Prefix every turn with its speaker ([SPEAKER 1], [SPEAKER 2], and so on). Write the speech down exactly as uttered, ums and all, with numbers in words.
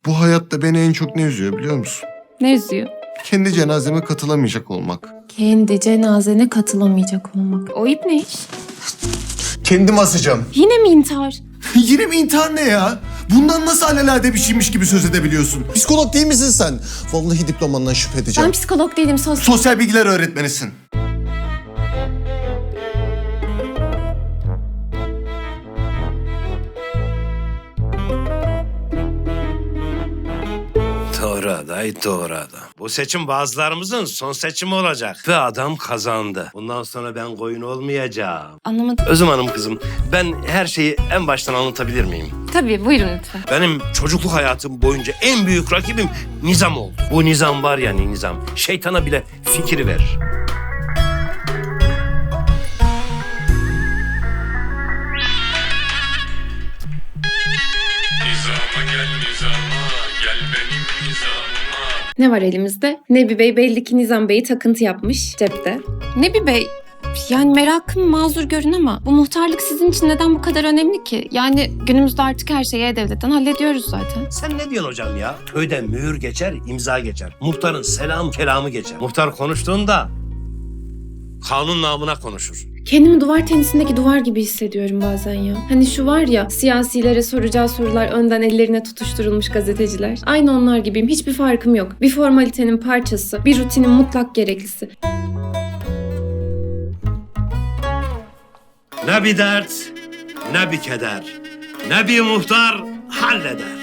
[SPEAKER 1] Bu hayatta beni en çok ne üzüyor biliyor musun?
[SPEAKER 2] Ne üzüyor?
[SPEAKER 1] Kendi cenazeme katılamayacak olmak.
[SPEAKER 2] Kendi cenazene katılamayacak olmak. O ip ne iş?
[SPEAKER 1] Kendim asacağım.
[SPEAKER 2] Yine mi intihar?
[SPEAKER 1] Yine mi intihar ne ya? Bundan nasıl alelade bir şeymiş gibi söz edebiliyorsun? Psikolog değil misin sen? Vallahi diplomandan şüphe edeceğim.
[SPEAKER 2] Ben psikolog değilim, sos.
[SPEAKER 1] Sosyal bilgiler öğretmenisin.
[SPEAKER 3] Doğru aday, doğru adam. Bu seçim bazılarımızın son seçimi olacak. Ve adam kazandı. Bundan sonra ben koyun olmayacağım.
[SPEAKER 2] Anlamadım.
[SPEAKER 3] Özüm Hanım kızım, ben her şeyi en baştan anlatabilir miyim?
[SPEAKER 2] Tabii, buyurun lütfen.
[SPEAKER 3] Benim çocukluk hayatım boyunca en büyük rakibim Nizam oldu. Bu Nizam var ya Nizam, şeytana bile fikri verir.
[SPEAKER 4] Nizama gel nizama, gel benim nizama.
[SPEAKER 2] Ne var elimizde? Nebi Bey belli ki Nizam Bey'i takıntı yapmış cepte. Nebi Bey, yani merakım mazur görün ama bu muhtarlık sizin için neden bu kadar önemli ki? Yani günümüzde artık her şeyi E-Devlet'ten hallediyoruz zaten.
[SPEAKER 3] Sen ne diyorsun hocam ya? Köyde mühür geçer, imza geçer. Muhtarın selam kelamı geçer. Muhtar konuştuğunda kanun namına konuşur.
[SPEAKER 2] Kendimi duvar tenisindeki duvar gibi hissediyorum bazen ya. Hani şu var ya, siyasilere soracağı sorular önden ellerine tutuşturulmuş gazeteciler. Aynı onlar gibiyim, hiçbir farkım yok. Bir formalitenin parçası, bir rutinin mutlak gereklisi.
[SPEAKER 3] Ne bir dert, ne bir keder, ne bir muhtar halleder.